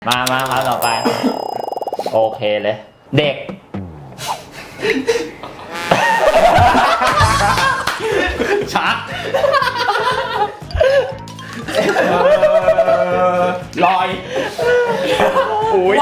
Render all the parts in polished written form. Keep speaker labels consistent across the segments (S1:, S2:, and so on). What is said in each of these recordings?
S1: มาต่อไปโอเคเลยเด็กชักลอยอุ้ย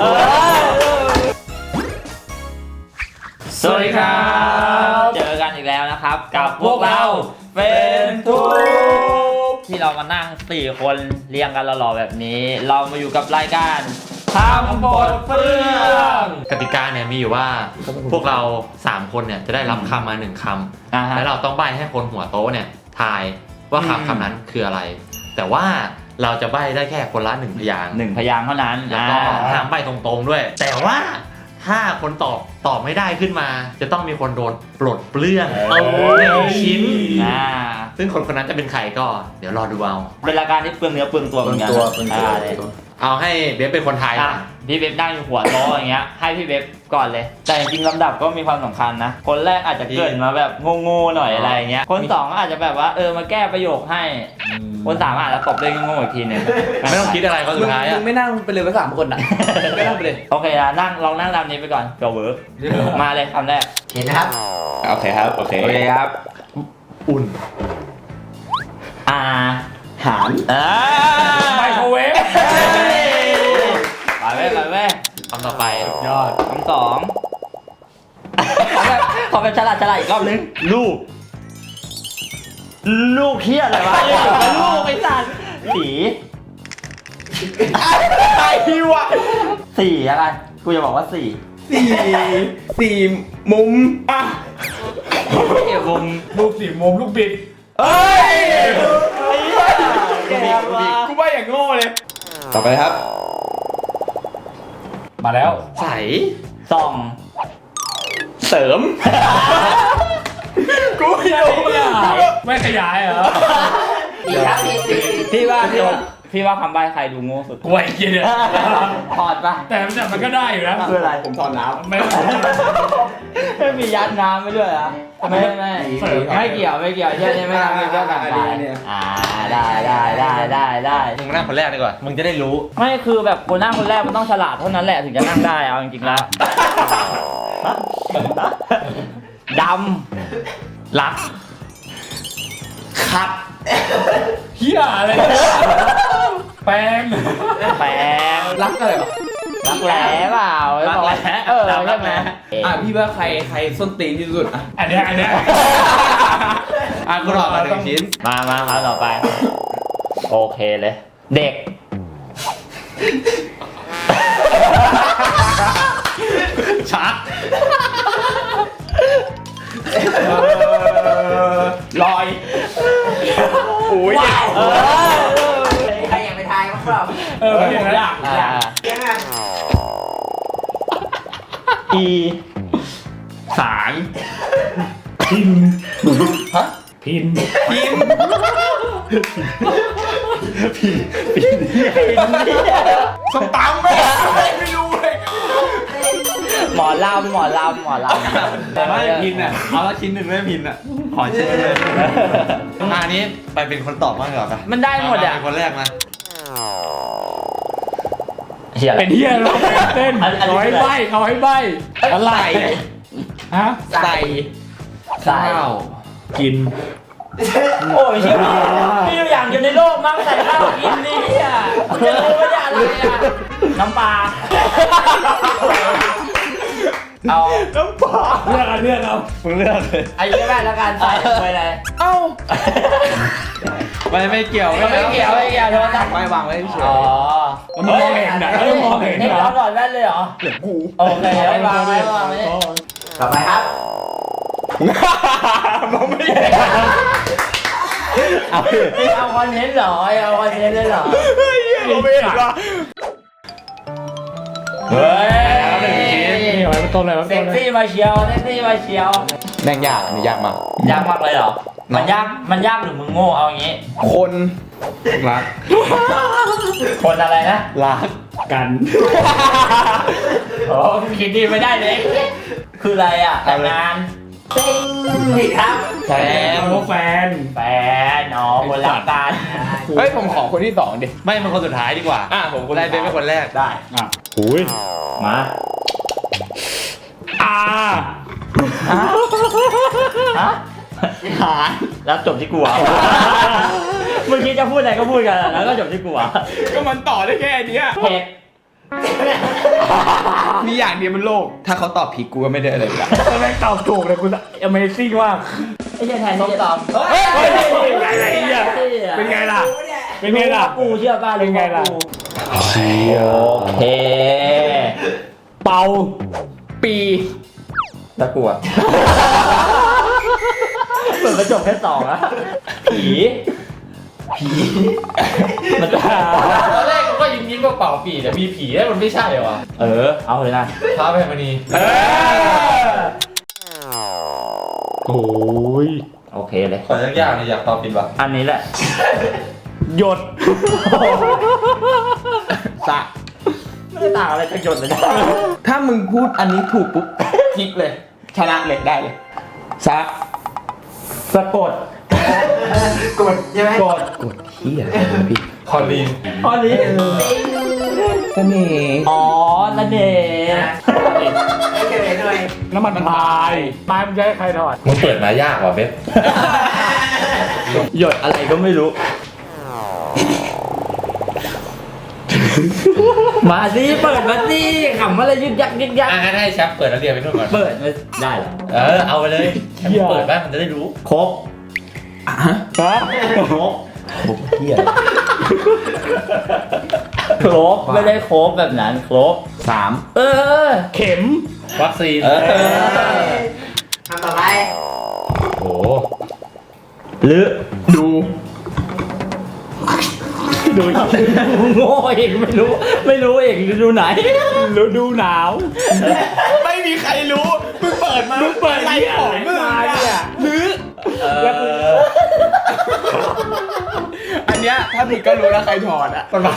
S1: สวัสดีครับเจอกันอีกแล้วนะครับกับพวกเราเป็นทุกที่เรามานั่ง4คนเรียงกันหล่อๆแบบนี้เรามาอยู่กับรายการทำบทเฟื่อง
S2: กติกาเนี่ยมีอยู่ว่าพวกเรา3คนเนี่ยจะได้รับคำมา1คำแล้วเราต้องใบ้ให้คนหัวโต๊ะเนี่ยทายว่าคำนั้นคืออะไรแต่ว่าเราจะใบ้ได้แค่คนละ1พยางค์
S1: 1พยางค์เท่านั้น
S2: แล้วก็ห้ามใบ้ตรงๆด้วยแต่ว่าถ้าคนตอบไม่ได้ขึ้นมาจะต้องมีคนโดนปลดเปลื้อง1ชิ้นซึ่งคนนั้นจะเป็นใครก็เดี๋ยวรอดูเอา
S1: เป็นรายการที่เปลืองเนื้อเปลืองตัวเหมือนกัน
S2: เอาให้เบฟเป็นคนไทย
S1: พี่เบฟนั่งอยู่หัวโต๊ะอย่างเงี้ยให้พี่เบฟก่อนเลยแต่จริงๆลำดับก็มีความสำคัญนะคนแรกอาจจะเกิดมาแบบโง่ๆหน่อยอะไรเงี้ยคน2ก็อาจจะแบบว่ามาแก้ประโยคให้คน3อาจจะตบด้วยโง่ๆอีกทีนึง
S2: ไม่ต้องคิดอะไรก็สุดท้าย
S3: มึงไม่นั่งไปเลยไป3คนอ่ะไม่นั่งไปเลย
S1: โอเคนะลองนั่งตามนี้ไปก่อนเดี๋ยวเวิร์กมาเลยคำแรก
S3: เห็นนะครับ
S1: โอเคครับโอเคครับ
S2: อุ่น
S3: อาหาร
S1: ไมโครเวฟไปเว้ย
S2: คำต่อไป
S1: ยอดคำ2ขอแบบฉลาดอีกรอบนึงลูกเฮียอะไรวะลูกไอ้สัตว์สีไอ้พี่วะสีอะไรกูจะบอกว่า
S3: สี่มุม
S1: อ่ะมุม
S3: ลูก4 มุมลูกบิด
S1: เอ้ย
S3: กูว่าอย่างโง่เลยต่อไปครับมาแล้ว
S2: ใส
S1: ส่อง
S3: เสริมกูไม่รู้ไม่ขยายเหรอ
S1: พี่ว่าคำใบ้ใครดูโง่สุด
S3: กูไอ้เหี้ยเนี่ย
S1: ถอดปะ
S3: แต่มันก็ได้อยู่นะ
S1: คืออะไร
S3: ผมถอดน้ำ
S1: ไม่มียัดน้ำไม่ด้วยอ่ะไม่เกี่ยวใช่ไหมครับมีเรื่องต่างๆได้
S2: มึงนั่งคนแรกดีกว่ามึงจะได้รู้
S1: ไม่คือแบบคนนั่งคนแรกมันต้องฉลาดเท่านั้นแหละถึงจะนั่งได้เอาจริงๆแล้วดำรักขัด
S3: เหี้ยอะไรแปลงรักอะไรหรอ
S1: รักแร้เปล่า
S2: รักแร้
S1: ใช่ไหม
S3: พี่ว่าใครส้นตีนที่สุดอันนี้
S2: กูรอมา1ชิ้น
S1: มาต่อไปโอเคเลยเด็ก
S2: ชัก
S1: ลอย
S3: อุ้ย
S1: ใครอยากไปทายมั้งเปล่า
S3: อยาก
S1: อี
S3: สารพินพินสตัมไม่รู้เลย
S1: หมอลำ
S3: แต่ว่าพินอ่ะเอาละชิ้นหนึ่งไม่พินอ่ะขอชิ้นเลย
S2: อันนี้ไปเป็นคนตอบมากกว่าปะ
S1: มันได้หมดอ่ะ
S2: เป็นคนแรกมา
S3: เป็นเฮียเราเต้นเอาให้ใบอะไรฮะใส่ข้าวกิน
S1: โอ้ยชีวิตมีอย่างอยู่ในโลกมั้งใส่ข้าวกินนี่อ่ะจะรู้ว่าอะไรอ่ะน้ำปลาเอา
S3: น้ำปลาเลือกเอา
S2: มึงเลือกเลย
S1: ไอ้ยี่แม่แล้วกันใส่ไปเลย
S3: เอ้า
S2: ไม่เกี่ยวโท
S1: ษนะ
S3: ไม่วางไว้เฉย
S1: มันมองเห็นนะมองเห็นนะหลอดแว่นเลยเหรอ
S3: เหลือกู
S1: โอเคไม่วางต่อไปครับ
S3: มองไม่เห็น
S1: เอาคอนเทนต์เหรอเอาคอนเทนต์เลยเหรอ
S3: มองไม่เห็นหรอ
S1: เฮ้ย
S3: เซ็
S1: กซี่มาเชียว
S2: แม่งยากนี่ยากม
S1: ากเลยเหรอมันยากหรือมึงโง่เอาอย่างงี้
S3: คนรัก
S1: คนอะไรนะ
S3: รักกัน
S1: โอ้คิดดีไม่ได้เลยคืออะไรอ่ะแต่งงาน
S4: ผิดครับ
S1: แฟน
S3: โอ้แฟน
S1: แฟนอ๋อคนรักกัน
S5: เฮ้ยผมขอคนที่2ดิ
S2: ไม่มันคนสุดท้ายดีกว่า
S5: ผมคน
S2: ได้เป็นคนแรก
S1: ได้
S3: อ่ะหุย
S1: มา
S3: อ่า
S1: ฮะหาแล้วจบที่กูอ่ะเมื่อกี้จะพูดอะไรก็พูดกันแล้วก็จบที่กูอ่ะ
S5: ก็มันต่อได้แค่เนี้ย
S1: เผ็ด
S5: มีอย่างเดียวบนโลก ถ้าเขาตอบผิดกูก็ไม่ได้อะไรละ
S3: แต่แม่งตอบถูกเลยคุณ Amazing มาก
S1: ไอ้เหี้ยแทนส้มตำ
S3: เฮ้ยเป็นไงล่ะไอ้เหี้ยเป็นไงล่ะ เป็นไงล่ะ
S1: กูเชื่อป่ะ
S3: เป็นไงล่ะ
S1: โอเค
S3: เป่าปี
S1: แล้วกูอ่ะเปิดกระจกแค่2อะผีมันจะ
S2: ตอนแรกกูก็ยิ้มๆว่าเป่าปีแต่มีผีแล้วมันไม่ใช่เหรอวะ
S1: เอาเลยนะ
S2: พระแพรมณี
S3: โอ้ย
S1: โอเคเลย
S2: ขอยากๆเลยอยากตอบผิดว่ะ
S1: อันนี้แหละ
S3: หยด
S5: สะ
S1: ไม่ได้ต่างอะไรจากหยดเลยนะ
S5: ถ้ามึงพูดอันนี้ถูกปุ๊บคลิกเลย ชนะเลยได้เลยสะ
S3: สะกด
S4: กดใช่ไหม
S3: กด
S5: กดเฮียพี่
S2: คอลีน
S1: อันนี้
S5: เสน่ห์
S1: อ๋อนั่นเอง
S4: ไม่เกิดเลย
S3: น้ำมันพายพายมันจะให้ใครถอด
S2: มึงเปิดมายากว่ะเบส
S1: หยดอะไรก็ไม่รู้ มาสิเปิดมาสิขำอะไรยึกยักยึกยัก
S2: งั้นให้แชมป์เปิดแล้วเรียนไปนู่นก่อน
S1: เปิดไม่ได้เหรอ
S2: เอาไปเลยแชมป์เปิดบ้างมันจะได้รู้
S1: ครบ
S3: ฮะ
S1: ครบ
S5: เฮีย
S1: ครบไม่ได้ครบแบบนั้นครบ
S5: 3
S1: เออ
S3: เข็ม
S2: วัคซีน
S4: ทำต่อไป
S2: โอ้
S1: หรือ
S5: ดู
S3: ดูอีก
S1: โง่เองไม่รู้เองฤดูไหน
S3: ฤดูหนาว
S5: ไม่มีใครรู้มึงเปิดมา
S3: มึงเปิด
S5: อะไรของมึง
S3: มาเนี่ย
S5: หรือ
S3: แล้วกู
S5: อันเนี้ยถ้าผิดก็รู้แล้วใครถอดอ่ะ
S2: มันมา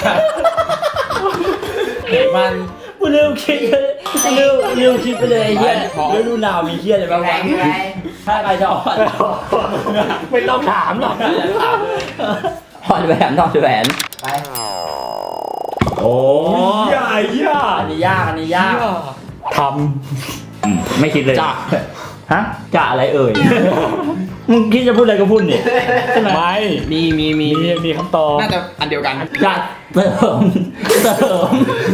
S5: มัน
S1: กูลืมคิดเลยลืมคิดไปเลยไอ้เหี้ยฤดูหนาวมีเหี้ยอะไรบ้าง
S4: แร
S1: วะ
S4: งใช่ไหม
S1: ถ้าใครจะอ่อน
S3: ไม่ต้องถามหรอก
S1: ถอดแหวนถอดแหวน
S4: ไป
S1: โอ้
S3: ใหญ่ยา
S1: อันนี้ยาก
S3: ท
S1: ไม่คิดเลย
S5: จ้ะ
S1: ฮะจะอะไรเอ่ย มึงคิดจะพูดอะไรก็พูดนี่ใช่ไหม
S3: ำไม่ มีคำตอบ
S5: น่าจะอันเดียวกัน
S1: จะเสริม
S4: จะเสริม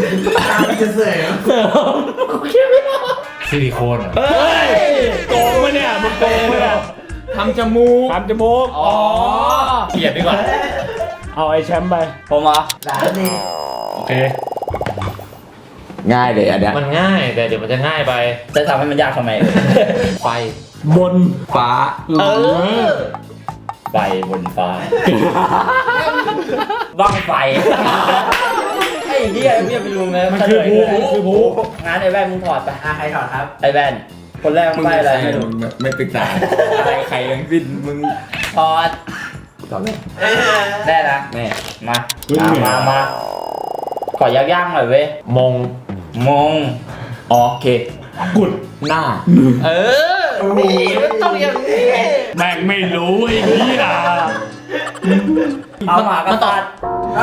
S1: กูคิดไม่ออก
S2: ซิลิโคนเหรอ
S3: เฮ้ยโกงมาเนี่ยมึงโกงมาเนี่ย
S5: ทำจมูก
S3: ทำจมูก
S1: อ๋อ
S2: เปลี่ยนดีกว่า
S3: เอาไอ้แชมป์ไป
S1: ผมเหรอ
S4: หลานนี่
S3: โอเค
S5: ง่ายเลยอันเนี้ย
S2: มันง่ายแต่เดี๋ยวมันจะง่ายไป
S1: จะทำให้มันยากทำไม
S2: ไฟ
S3: บน
S5: ฟ้า
S1: ใบบนฟ้าบ้างไฟไอ้เหี้ยไม่ไปรู้ไหม
S3: มันคือภูมันคือภู
S1: งั้นไอ้แว่นมึงถอดไป
S4: ใครถอดครับ
S1: ไอ้แว่นคนแรกมึงไปอะไรไม่รู้
S5: ไม่ปรึกษาอะไรใครทั้งสิ้นมึง
S1: ถอด
S5: ตอบเลย
S1: ได้นะ
S5: แม่
S1: มาขอยากๆหน่อยเว้ย
S2: มง
S1: มง
S5: โอเค
S3: กุด
S5: หน้า
S4: มีต้องอย่างนี้
S3: แม่งไม่รู้ไอ้เหี้ย
S1: เอาหมากระตัด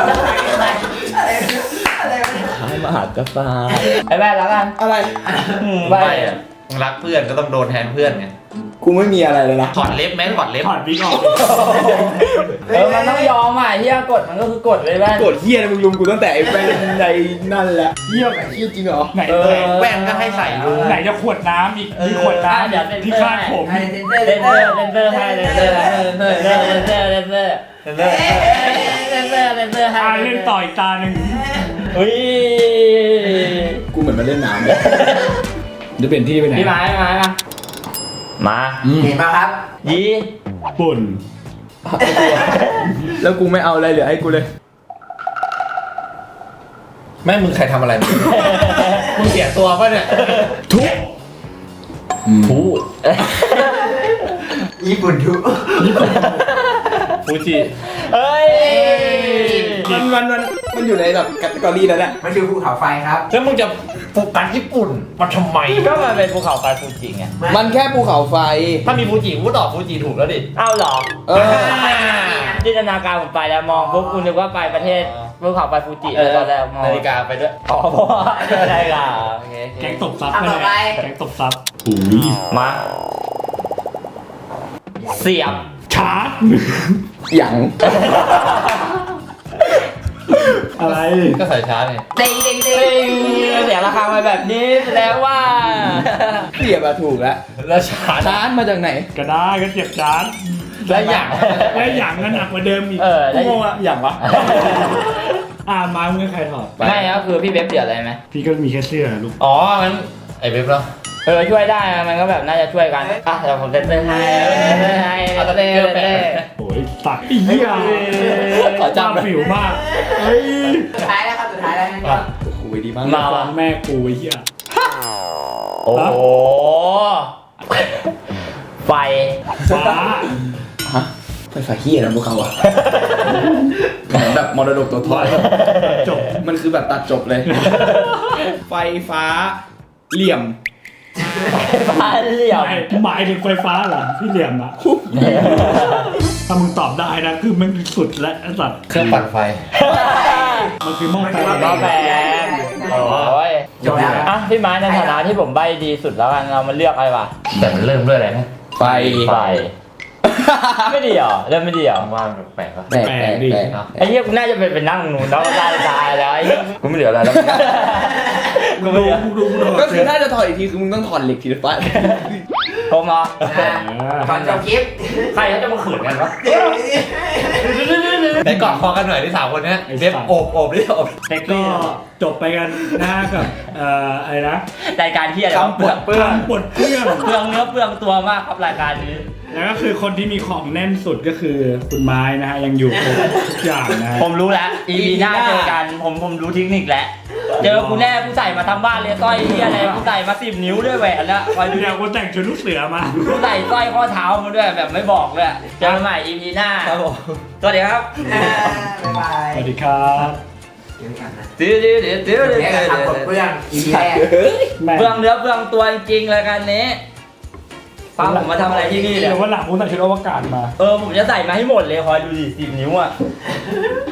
S4: อะไร
S5: ท้ายมหากฟ้า
S1: ไอ้แว่นแล้วกัน
S5: อะไร
S1: ไป
S2: ไม่อะมึงรักเพื่อนก็ต้องโดนแทนเพื่อนไง
S5: กูไม่มีอะไรเลยนะ
S2: ถอดเล็บไหมถอดเล็บ
S3: ถอดวิกออก
S1: มันต้องยอมอ่ะเฮียกดมันก็คือกดเลยแว่น
S5: โกรธเฮียนะมึงลุมกูตั้งแต่ไอ้แฟนในนั่นแหละเฮียแบบเฮียจริงเหรอ
S3: ไหน
S2: แว่นก็ให้ใส่ดู
S3: ไหนจะขวดน้ำอีกมีขวดน้ำ
S1: เดี๋ยวเซ็น
S3: ที่
S1: เซอ
S3: คาด
S1: ร์
S3: ผม
S4: ให้เซนเซอร์
S1: เลนเซอร์ให้เลนเซอร์ให้
S3: เล่นต่ออีกตาหนึ่ง
S1: อุ้ย
S5: กูเหมือนมาเล่นน้ำเลยจะเปลี่ยนที่ไปไหน
S1: พี่ไม้มา
S4: เห็นป่ะครับ
S1: ยี
S3: ปุ่น
S5: แล้วกูไม่เอาอะไรเหลือให้กูเลย
S2: แม่มึงใครทำอะไรมึงเสียตัวป่ะเนี่ย
S5: ทุก
S2: พูด
S4: ญี่ปุ่นทุ
S5: ฟ
S3: ฟูจิ
S1: เอ้ย
S5: มันอยู่ในแบบแคตตากรีนั้นแหละ
S4: มันคือภูเขาไฟครับ
S2: แล้วมึงจะโฟกัสญี่ปุ่นมาทำไม
S1: ก็มันเป็นภูเขาไฟฟูจิไง
S5: มันแค่ภูเขาไฟ
S2: ถ้ามีฟูจิกูตอบฟูจิถูกแล้วดิ
S1: เอ้าเหรอ
S5: เออ
S1: จินตนาการผมไปแล้วมองปุ๊บคุณนึกว่าไปประเทศภูเขาไฟฟูจิเลยตอนแรกมอง
S2: นาฬิกาไปด้วย
S1: อ๋อเพราะว่าอะไรล่ะโอเค
S3: แก๊งตบซับ
S4: เอาต่อไป
S3: แก๊งตบซับอุ้ย
S1: มาเสียบ
S3: ชาร์จ
S5: หยัง
S3: อะไร
S2: ก็ใส่ช้าไง
S4: เด้งเด้งเด้
S1: เฮ้
S4: ง
S1: ยเสียราคามาแบบนี้แสดงว่า
S5: เสียบอะถูกแล้ว
S2: แล้วชา
S5: ชาร์จมาจากไหน
S3: ก็ได้ก็เจ็บชาร์จ
S2: แล้วอย่าง
S3: แล้วอย่างก็หนักกว่าเดิมอีก
S1: แล้ว
S3: โง่อะอย่างวะมามึงให้ใครถอด
S1: ไม่ก็คือพี่เว็บเดือดอะไรไหม
S3: พี่ก็มีแค่เสื้อลูก
S2: อ๋องั้นไอ้เว็บเหรอ
S1: ช่วยได้มันก็แบบน่าจะช่วยกันอ่ะเดี๋ยวผมเต้นให้เต้น
S3: โอ้ยตัดอีเหี้ย
S5: ขอจำ
S3: ผิวมากเฮ้ย
S4: สุดท้ายแล้วครับสุดท้ายแล้วนะ
S2: อ่ะ
S5: โอ้ยดีมาก
S1: มา
S3: ฟังแม่กูไอ้เหี้ย
S1: โอ้โหไฟ
S3: ฟ้า
S5: ฮะไฟฟ้าเฮียนะพวกเขาอะเหมือนแบบมรดกตัวทอด
S3: จบ
S5: มันคือแบบตัดจบเลย ไฟฟ้าเหลี่ยม
S1: ฟ้าเหลี่ยม
S3: หมายถึงไฟฟ้าเหรอที่เหลี่ยมอะถ้ามึงตอบได้นะคือมันสุดและไอ้สัตว์
S2: เครื่องปั่นไฟ
S3: มันคือหม้อไฟ
S1: หม้อแปลงโอ้ย
S4: จบแล้ว
S1: อ่ะพี่ไม้ในฐานะที่ผมใบดีสุดแล้วกันเรามาเลือกอะไรวะ
S2: แต่มันเริ่มด้วยอะไรนะ
S5: ไฟ
S1: ไฟไม่ดีเหรอเริ่มไม่ดีเหรอ
S2: ว่ามันแปลกๆวะ
S5: แปลกแปลกแปลก
S1: ไอ้เหี้ยกูน่าจะเป็นนั่งหนูแล้วก็ตายแล้วไอ้เหี้ยกูไม่เหลืออะไรแล้วกูไม่เหลือ
S5: ก็คือน่าจะถอดอีกทีคือมึงต้องถอดเหล็กทีละฟ้า
S1: ผมเหรอ
S4: ก่อนจบคลิป
S1: ใครเขาจะมาขืนกันวะ
S2: ไหนกอดคอกันหน่อยที่สามคนเนี้ยเว็บโอบดิโอบ
S3: แต่ก็จบไปกันนะกับอะไรนะ
S1: รายการที่อะไร
S5: คำปวดเปื้อน
S3: คำปวดเพื่อน
S1: เปลืองเนื้อเปลืองตัวมากครับรายการนี้
S3: แล้วก็คือคนที่มีของแน่นสุดก็คือคุณไม้นะฮะยังอยู่ครบทุกอย่างนะฮะ
S1: ผมรู้แล้ว EP หน้าเจอกันผมรู้เทคนิคแล้วเจอกูแน่กูใส่มาทำบ้านเลยสร้อยที่อะไรกูใส่มา10 นิ้วด้วยแหวนแล้วคอยดู
S3: เดี๋ยวกูแต่งชุดลูกเสือมา
S1: กูใส่สร้อยข้อเท้ามาด้วยแบบไม่บอกเลยเจอกันใหม่ EP หน้า
S5: ครับผม
S1: สวัสดีครับ
S4: บ๊ายบาย
S3: สวัสดีครับ
S4: เดี๋ยวกันนะ
S1: ตื้อตื้อตื้อตื้อ
S4: เดี๋ยวกันทำกดเปื้อนอีพีแรก
S3: แม่
S1: เปลืองเนื้อเปลืองตัวจริงๆรายการนี้ฟังผมมาทำอะไรที่นี่เนี่ย
S3: เดี๋ยววันหลังกูใส่ชุดอวกาศมา
S1: ผมจะใส่มาให้หมดเลยคอยดูดิ10 นิ้วอ่ะ